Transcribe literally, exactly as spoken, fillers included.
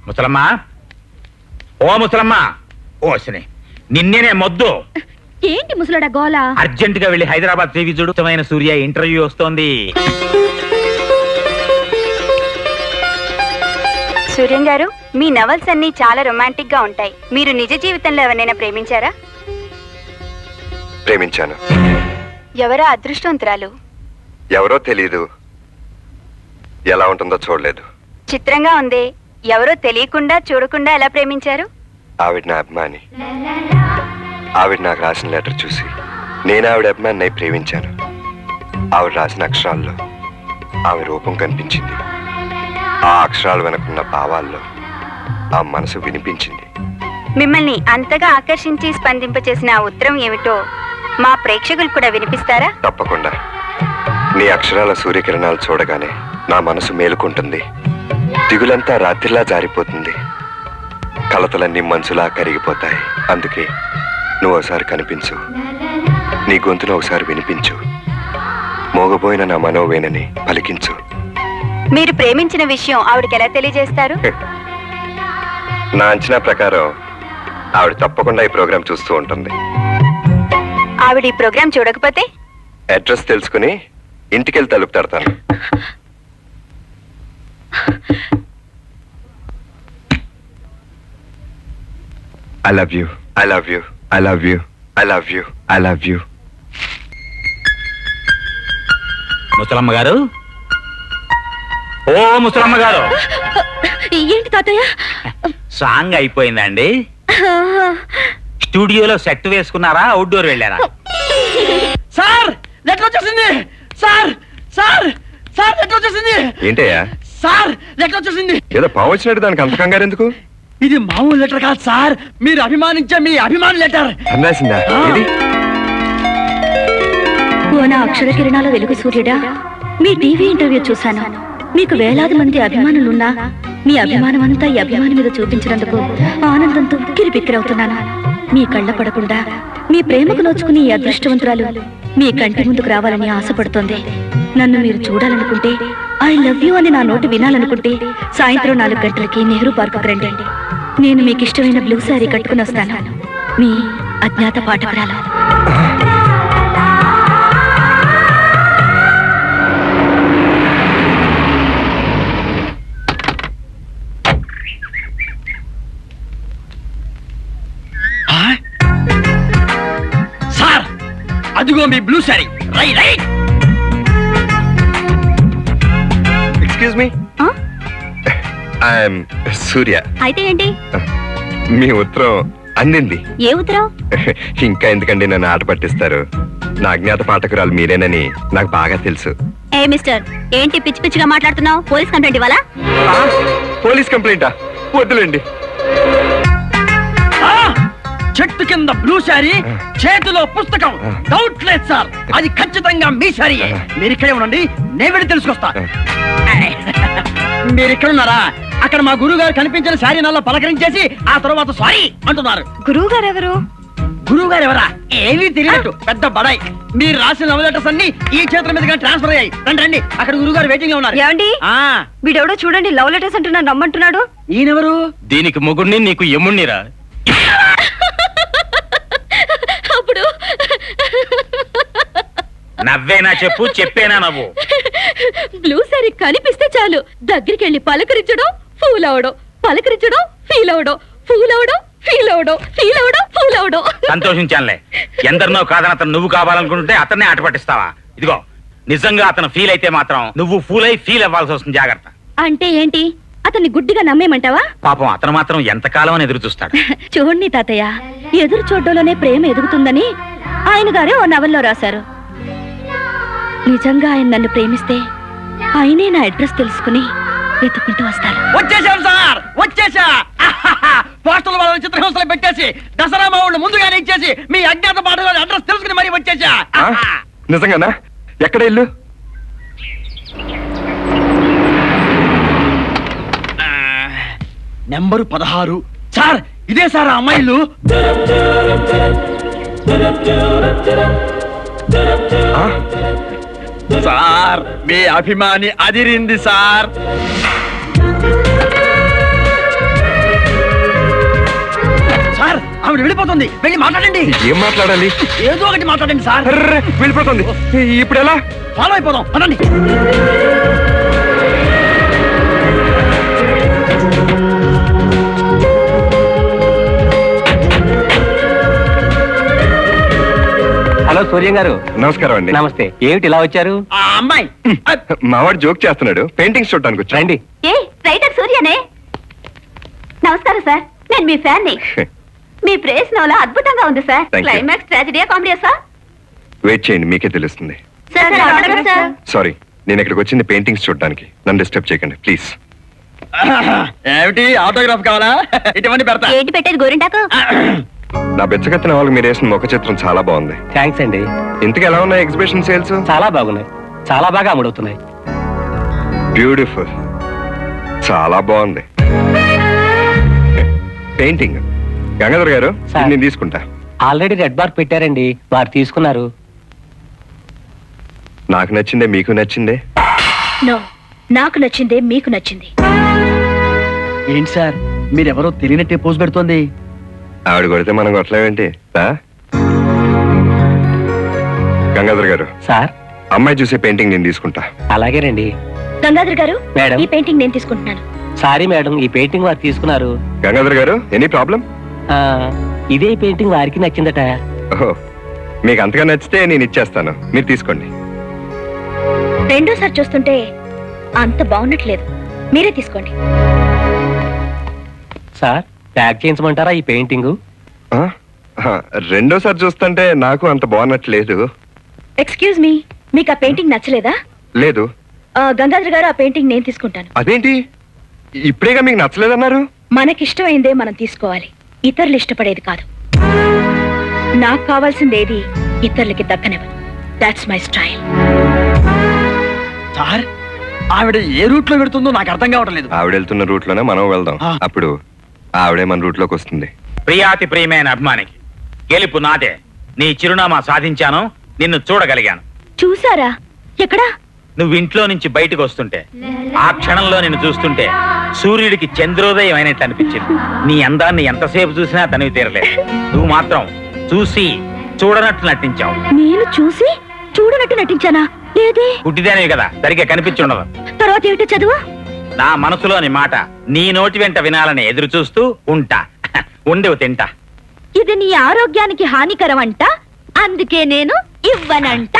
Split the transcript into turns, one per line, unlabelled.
ముసలమ్మ, ఓ ముసలమ్మ, ఓసిని నిన్నేనే మొద్దు.
ఏంటి ముసలాడా గోలా?
అర్జెంట్ గా వెళ్ళి హైదరాబాద్ టీవీ చూడుతమైన సూర్య ఇంటర్వ్యూ వస్తోంది.
సూర్యం గారు, మీ నవల్స్ అన్ని చాలా రొమాంటిక్ గా ఉంటాయి. మీరు నిజ జీవితంలో ఎవరైనా ప్రేమించారా?
ప్రేమించాను.
ఎవరా అదృష్టవంతురాలు?
ఎవరో తెలీదు, ఎలా ఉంటుందో చూడలేదు.
చిత్రంగా ఉంది. ఎవరో తెలియకుండా చూడకుండా ఎలా ప్రేమించారు?
ఆవిడ నా అభిమాని. ఆవిడ నాకు రాసిన లెటర్ చూసి నేను ఆవిడ అభిమాని ప్రేమించాను. ఆవిడ రాసిన అక్షరాల్లో ఆమె రూపం కనిపించింది. ఆ అక్షరాలు వెనకున్న భావాల్లో ఆ మనసు వినిపించింది.
మిమ్మల్ని అంతగా ఆకర్షించి స్పందింపచేసిన ఆ ఉత్తరం ఏమిటో మా ప్రేక్షకులు కూడా వినిపిస్తారా?
తప్పకుండా. నీ అక్షరాల సూర్యకిరణాలు చూడగానే నా మనసు మేలుకుంటుంది. దిగులంతా రాత్రిలా జారిపోతుంది. కలతలన్నీ మనసులా కరిగిపోతాయి. అందుకే నువ్వు ఒకసారి కనిపించు, నీ గొంతును ఒకసారి వినిపించు, మోగబోయిన నా మనోవేనని పలికించు.
మీరు ప్రేమించిన విషయం ఆవిడకి ఎలా తెలియజేస్తారు?
నా అంచనా ప్రకారం ఆవిడ తప్పకుండా ఈ ప్రోగ్రాం చూస్తూ ఉంటుంది.
ఆవిడ ఈ ప్రోగ్రాం చూడకపోతే?
అడ్రస్ తెలుసుకుని ఇంటికెళ్ళి తలుపు తడతాను. I love you. I love you. I love you. I love you. I love you.
ముసలమ్మ గారు, ఓ ముసలమ్మ గారు.
ఏంటి తాతయ్య?
సాంగ్ అయిపోయిందండి. స్టూడియోలో సెట్ వేసుకున్నారా, అవుట్డోర్ వెళ్ళారా?
సార్ లెటర్ వచ్చేసింది. సార్ సార్ సార్ లెటర్ వచ్చేసింది.
ఏంటయ్యా?
సార్ లెటర్ వచ్చేసింది.
ఏదో పావు వచ్చినట్టు దానికి అంత కంగారు ఎందుకు?
ఇది మామూలు లెటర్ కాదు సార్, మీరు అభిమానించే మీ అభిమాని లెటర్.
రాసిందా?
ఓ నా అక్షర కిరణాల వెలుగు సూర్యుడా, మీ టీవీ ఇంటర్వ్యూ చూశాను. మీకు వేలాది మంది అభిమానులున్నా మీ అభిమానం అంతా ఈ అభిమాని మీద చూపించినందుకు ఆనందంతో ఉక్కిరి బిక్కిరవుతున్నాను. మీ కళ్ళ పడకుండా మీ ప్రేమకు నోచుకుని ఈ అదృష్టవంతురాలు మీ కంటి ముందుకు రావాలని ఆశపడుతోంది. నన్ను మీరు చూడాలనుకుంటే, ఐ లవ్ యూ అని నా నోటి వినాలనుకుంటే సాయంత్రం నాలుగు గంటలకి నెహ్రూ పార్కుకు రండి. నేను మీకు ఇష్టమైన బ్లూ శారీ కట్టుకుని వస్తాను. మీ అజ్ఞాత పాఠకురాలు.
సార్ అదిగో మీ బ్లూ శారీ. రై right.
Excuse me, I'm Surya.
అయితే ఏంటి?
మీ ఉత్తరం అందింది.
ఏ ఉత్తరం?
ఇంకా ఎందుకండి నన్ను ఆట పట్టిస్తారు? నా అజ్ఞాత పాఠకురాలు మీరేనని నాకు బాగా తెలుసు.
ఏ మిస్టర్, ఏంటి పిచ్చి పిచ్చిగా మాట్లాడుతున్నావు? పోలీస్ కంప్లైంట్ ఇవ్వాలా?
పోలీస్ కంప్లైంటా? వద్దులేండి.
చెట్టు కింద బ్లూ శారీ, చేతిలో పుస్తకం. డౌట్ లేదు సార్, అది ఖచ్చితంగా మీ శారీ. మీరు ఇక్కడే ఉండండి, నేను వెళ్ళి తెలుసుకొస్తా. మీరు ఇక్కడ ఉన్నారా? అక్కడ మా గురువు గారు కనిపించిన శారీ నల్ల పలకరించేసి ఆ తర్వాత సారీ అంటున్నారు.
గురువు గారు ఎవరు?
గురువు గారు ఎవరా? ఏమీ తెలియనట్టు పెద్ద బడాయి. మీరు రాసిన లవ్ లెటర్స్ అన్ని ఈ చేతుల మీదుగా ట్రాన్స్ఫర్ అయ్యాయి. రండి రండి, అక్కడ గురువు గారు వెయిటింగ్ లో ఉన్నారు.
ఏమండి, వీడెవడో చూడండి, లవ్ లెటర్స్ అంటున్నా నమ్మంటున్నాడు.
ఈయనెవరు?
దీనికి ముగుడిని, నీకు ఎమ్ముణ్ణిరా.
అప్పుడు
నవ్వేనా చెప్పు, చెప్పేనా నవ్వు?
బ్లూ శారీ కనిపిస్తే చాలు దగ్గరికి వెళ్ళి పలకరించడం, ఫూల్ అవడం, పలకరించడం, ఫీల్ అవడం, ఫూల్ అవడం, ఫీల్ అవడం, ఫీల్ అవడం, ఫూల్ అవడం.
సంతోషించానులే. ఎందరినో కాదని అతను నువ్వు కావాలనుకుంటే అతన్నే ఆట పట్టిస్తావా? ఇదిగో, నిజంగా అతను ఫీల్ అయితే మాత్రం నువ్వు ఫూల్ అయి ఫీల్ అవ్వాల్సి వస్తుంది. జాగ్రత్త.
అంటే ఏంటి? అతన్ని గుడ్డిగా నమ్మేమంటావా?
పాపం అతను మాత్రం ఎంతకాలం అని ఎదురు చూస్తాడు.
చూడండి తాతయ్య, ఎదురు చూడడంలోనే ప్రేమ ఎదుగుతుందని ఆయన గారే ఓ నవల్లో రాశారు. నిజంగా ఆయన నన్ను ప్రేమిస్తే ఆయనే నా అడ్రస్ తెలుసుకుని వెతుక్కుంటూ వస్తారు.
వచ్చేసాం సార్, వచ్చేసా. పోస్టల్ వాళ్ళని చిత్రహింసలు పెట్టేసి దసరా మావుళ్ళు ముందుగానే ఇచ్చేసి మీ అజ్ఞాత పాఠశాల అడ్రస్ తెలుసుకుని మరీ వచ్చేసా.
నిజంగానా? ఎక్కడ ఇల్లు?
నెంబరు పదహారు. సార్ ఇదే సార్ ఆ అమ్మాయిలు. సార్ మీ అభిమాని అదిరింది సార్. ఆవిడ వెళ్ళిపోతుంది వెళ్ళి మాట్లాడండి.
ఏం మాట్లాడాలి?
ఏదో ఒకటి మాట్లాడండి సార్.
అర్రే, వెళ్ళిపోతుంది. ఇప్పుడు ఎలా?
ఫాలో అయిపోదాం పదండి.
హలో సూర్యం గారు.
నమస్కారం అండి.
నమస్తే. ఏమిటి ఇలా వచ్చారు?
ఆ అమ్మాయి
మావాడు జోక్ చేస్తున్నాడు. పెయింటింగ్స్ చూడటానికి వచ్చా.
రండి.
ఏ రైటర్ సూర్యనే. నమస్కారం సార్, నేను మీ ఫ్యాన్ ని. మీ ప్రేస్ నవల అద్భుతంగా ఉంది సార్.
Thank you.
క్లైమాక్స్ ట్రాజడీయా కామెడీయా సార్?
వెయిట్ చేయండి, మీకే తెలుస్తుంది.
Sir autograph sir.
సారీ, నేను ఇక్కడికి వచ్చింది పెయింటింగ్స్ చూడడానికి. నన్ను డిస్టర్బ్ చేయకండి ప్లీజ్.
ఏమిటి ఆటోగ్రాఫ్ కావాలా? ఇటువంటి పెడతా.
ఏంటి పెట్టేది గోరింటాకు?
నా బెచ్చగత్తిన వాళ్ళకి మీరు వేసిన ముఖ చిత్రం చాలా బాగుంది.
థ్యాంక్స్ అండి.
ఇంతకు ఎలా ఉన్నాయి ఎగ్జిబిషన్ సేల్స్?
చాలా బాగున్నాయి, చాలా బాగా అమ్ముడవుతున్నాయి.
బ్యూటిఫుల్, చాలా బాగుంది. పెయింటింగ్ గంగాధర్ గారు,
సార్.
ఇది నేను తీసుకుంటా.
ఆల్రెడీ రెడ్ బార్ పెట్టారండి, వారు తీసుకున్నారు.
నాకు నచ్చిందే, మీకు నచ్చిందే.
నో, నాకు నచ్చిందే మీకు నచ్చింది.
ఏంటి సార్ మీరెవరో తెలియనట్టే పోజ్ పెడుతోంది.
ఆవిడ కొడితే మనం కొట్టలేమేంటి? రా. గంగాధర్ గారు,
సార్
అమ్మాయి చూసే పెయింటింగ్ నేను తీసుకుంటా.
అలాగేనండి.
గంగాధర్ గారు,
మేడం.
ఈ పెయింటింగ్ నేను తీసుకుంటున్నాను.
సారీ మేడం, ఈ పెయింటింగ్ వారు తీసుకున్నారు.
గంగాధర్ గారు, ఎనీ ప్రాబ్లం?
ఆ, ఇదే పెయింటింగ్ వారికి నచ్చిందట.
ఓహో, మీకు అంతగా నచ్చితే నేను ఇచ్చేస్తాను, మీరు తీసుకోండి.
రెండోసారి చూస్తుంటే అంత బాగున్నట్లేదు, మీరే తీసుకోండి.
సార్ ప్యాక్ చేయించమంటారా ఈ పెయింటింగ్?
ఆ? ఆ, రెండోసారి చూస్తుంటే నాకు అంత బాగున్నట్లేదు.
ఎక్స్క్యూజ్ మీ, మీకు ఆ పెయింటింగ్ నచ్చలేదా?
లేదు.
ఆ, గంగాధర్ గారు, ఆ పెయింటింగ్ నేను తీసుకుంటాను.
అదేంటి ఇప్పుడేగా మీకు నచ్చలేదన్నారు?
మనకిష్టమైందే మనం తీసుకోవాలి, ఇతరులు ఇష్టపడేది కాదు. నాకు కావాల్సింది ఏది ఇతరులకి దక్కనివ్వను. That's my style.
సార్ ఆవిడ ఏ రూట్ లో పెడుతుందో నాకు అర్థం కావటం లేదు.
ఆవిడ వెళ్తున్న రూట్ లోనే మనం వెళ్దాం.
ఆ.
అప్పుడు ఆవిడే మన రూట్ లోకి వస్తుంది.
ప్రియాతి ప్రియమైన అభిమానికి గెలుపు నాదే. నీ చిరునామా సాధించాను, నిన్ను చూడగలిగాను.
చూసారా? ఎక్కడా?
నువ్వు ఇంట్లో నుంచి బయటకు వస్తుంటే, ఆ క్షణంలో నిన్ను చూస్తుంటే సూర్యుడికి చంద్రోదయం అయినట్టు అనిపించింది. నీ అందాన్ని ఎంతసేపు చూసినా తనివి తీరలేదు. నువ్వు మాత్రం చూసి చూడనట్టు నటించావు.
నేను చూసి చూడనట్టు నటించానా? లేదే.
పుట్టిదేనివి కదా, సరిగ్గా కనిపించుండదు.
తర్వాత ఏమిటో చదువు?
నా మనసులోని మాట నీ నోటి వెంట వినాలని ఎదురు చూస్తూ ఉంటా. ఉండేవు తింటా.
ఇది నీ ఆరోగ్యానికి హానికరం అంట, అందుకే నేను ఇవ్వనంట.